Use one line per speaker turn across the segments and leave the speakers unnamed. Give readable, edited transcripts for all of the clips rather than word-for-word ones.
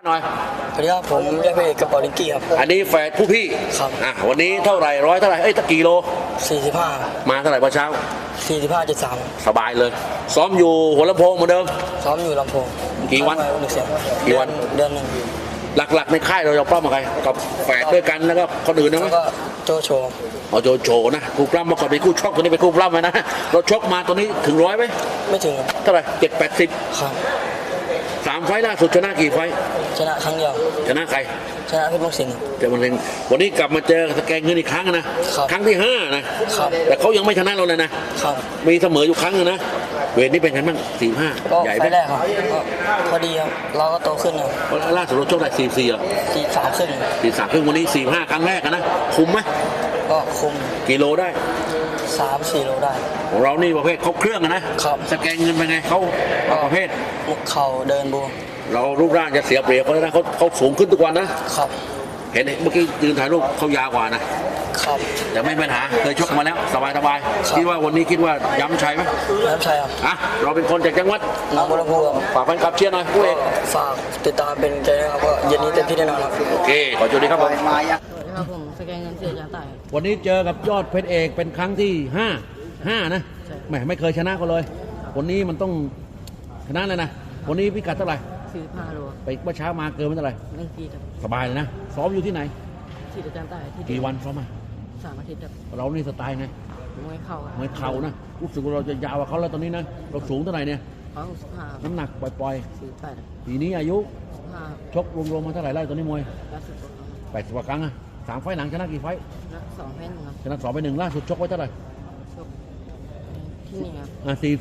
หน่อย
สวัสดีครับผมเรียกไปกระเป๋าลิงกี้ครับ
อันนี้แฝดผู้พี่
ครับ
วันนี้เท่าไหร่ร้อยเท่าไหร่ตะกี่โล
45
มาเท่าไหร่เมื่อเช้า
45.3
สบายเลยซ้อมอยู่หัวลำโพงเหมือนเดิม
ซ้อมอยู่ลำโพง
กี่วัน
เดือนหนึ่ง
หลักๆในค่ายเราปล้ำกับใครกับแฝดด้วยกันแล้วก็คนอื่นนะมั้ย
ก็โจโฉ
โจโฉนะคู่ปล้ำมาก่อนเป็นคู่ชกตัวนี้เป็นคู่ปล้ำไหมนะเราชกมาตัวนี้ถึง100ไหม
ไม่ถึง
เท่าไหร่7-80
ครับ
3 ไฟล์ล่าสุดชนะกี่ไฟล์
ชนะครั้งเดียว
ชนะใคร
ชนะเพชรมงคล
แต่มันเองวันนี้กลับมาเจอสแกนเงินอีกครั้งนะครั้งที่5นะครับแต่เขายังไม่ชนะเราเลยนะครับมีเสมออยู่ครั้งนึงนะเวทนี้เป็นไงบ้าง45ใหญ่ไหม
แรกครับพอดีครับเราก็โตขึ้นครับ
ล่าสุดเราชกได้44อ่ะ
43ครึ่ง
วันนี้45ครั้งแรกนะคุมไหม
ก็คุม
กิโลได้
3-4 โลได้
ของเรานี่ประเภทเขาเครื่องนะครับสแกนเงินเป็นไงเขาประเภท
เข่าเดินบู
เรารูปร่างจะเสียเปรียบเขาเลยนะเขาสูงขึ้นทุกวันนะครับเห็นเมื่อกี้ยืนถ่ายรูปเขายาวกว่านะครับแต่ไม่เป็นปัญหาเคยชกมาแล้วสบายคิดว่าวันนี้คิดว่าย้ำชัยไหม
ย้ำชัยครับ
เราเป็นคนจากจังหวัด
หนองบัวลำพู
ฝากแฟนคลับเชียร์หน่อยผู้เอก
ฝากติดตามเป็นใจนะครับก็เย็นนี้เต็มที่แน่นอนครับ
โอเคขอจุดนี้ครับผม
ครับผมสแกนเงินเสียจานใต้
วันนี้เจอกับยอดเพชรเอกเป็นครั้งที่5นะไม่เคยชนะเขาเลยวันนี้มันต้องชนะเลยนะวันนี้พิกัดเท่าไหร่
45 โล
ไปเมื่อเช้ามาเกินไม่เท่าไหร่
1 ปีครับ
สบายเลยนะซ้อมอยู่ที่ไหน
ที่อาจารย์ใต้
กี่วันซ้อมมา
3 อาทิตย์ครับ
เรานี่สไตล์ไง
มวยเข่า
นะรู้สึกว่าเราจะยาวกว่าเขาแล้วตอนนี้นะเราสูงเท่าไหร่เนี่ย
165
น้ำหนักปล่อย
48
ปีนี้อายุ
15
ชกรวมๆมาเท่าไหร่ไล่ตอนนี้มวย80 กว่าครั้ง3 ไฟล์หลังชนะกี่ไฟล์
2 ไฟล์ครับ
ชนะ2 ไป 1ล่าสุดชกไว้เท่าไหร่
ชกที่นี่ครับ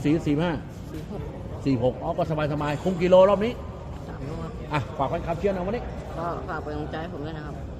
46ก็สบายคุมกิโลรอบนี้
3 โล
ฝากแฟนคลับเชียร์หน่อยวันนี้
ก็ฝากเป็นกำลังใจให้ผมด้วยนะครับ